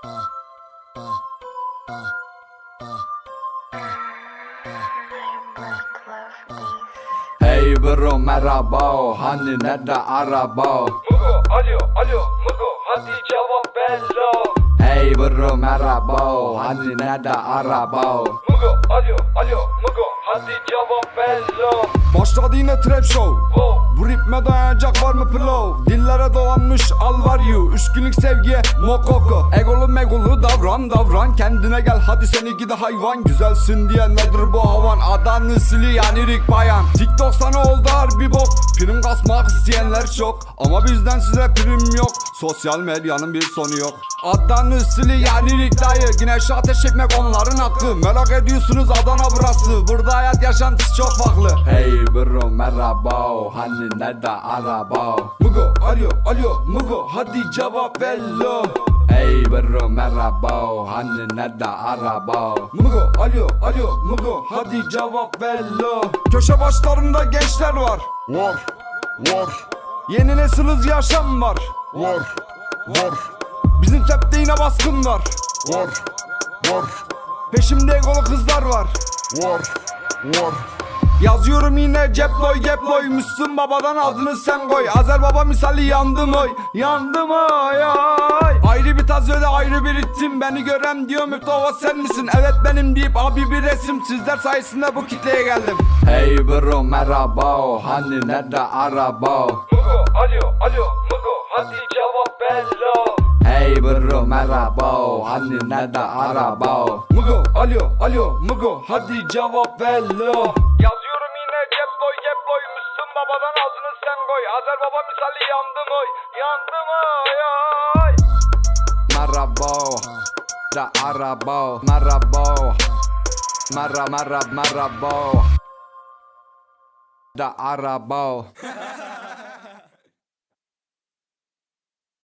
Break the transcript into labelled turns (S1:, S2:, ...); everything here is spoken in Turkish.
S1: Hey bro merhaba, hani nerede araba?
S2: Mugo alo Mugo hadi cevap bello.
S1: Hey bro merhaba, hani nerede araba?
S2: Mugo alo Mugo hadi cevap bello.
S3: Başladı yine trap show. Bu ritme dayanacak var mı pillow? Dillere dolanmış al var you. 3 günlük sevgiye mokoko. Egolu megolu davran. Kendine gel hadi seni gidi hayvan. Güzelsin diye nedir bu havan? Adanı sili yani Rick Bayan. TikTok sana oldu harbi bok. Prim kasmak isteyenler çok, ama bizden size prim yok. Sosyal medyanın bir sonu yok. Adanı sili yani Rick dayı. Güneşe ateş etmek onların hakkı. Merak ediyorsunuz Adana burası. Burada hayat yaşantısı çok farklı.
S1: Hey bro merhaba, hani nerede araba?
S3: Mugo alo Mugo hadi cevap bello.
S1: Hey bro merhaba, hani nerede araba?
S3: Mugo alo Mugo hadi cevap bello. Köşe başlarında gençler var.
S4: Var.
S3: Yeni nesil hız yaşam var.
S4: Var.
S3: Bizim septe yine baskın var.
S4: Var.
S3: Peşimde egolu kızlar var.
S4: Var.
S3: Yazıyorum yine ceploy Müslüm babadan adını sen koy. Azer baba misali yandım oy. Ay. Ayrı bir taz öyle ayrı bir ritim. Beni gören diyor müptava sen misin? Evet benim deyip abi bir resim. Sizler sayesinde bu kitleye geldim.
S1: Hey bro merhaba, hani nerede araba?
S2: Mugo alo Mugo hadi cevap bello.
S1: Hey bro merhaba, hani nerede araba?
S3: Mugo alo Mugo hadi cevap bello. Yazıyorum yine ceploy Müslüm babadan adını sen koy. Azer baba misali yandım oy. Ay.
S1: Merhaba da araba, merhaba merhaba da araba.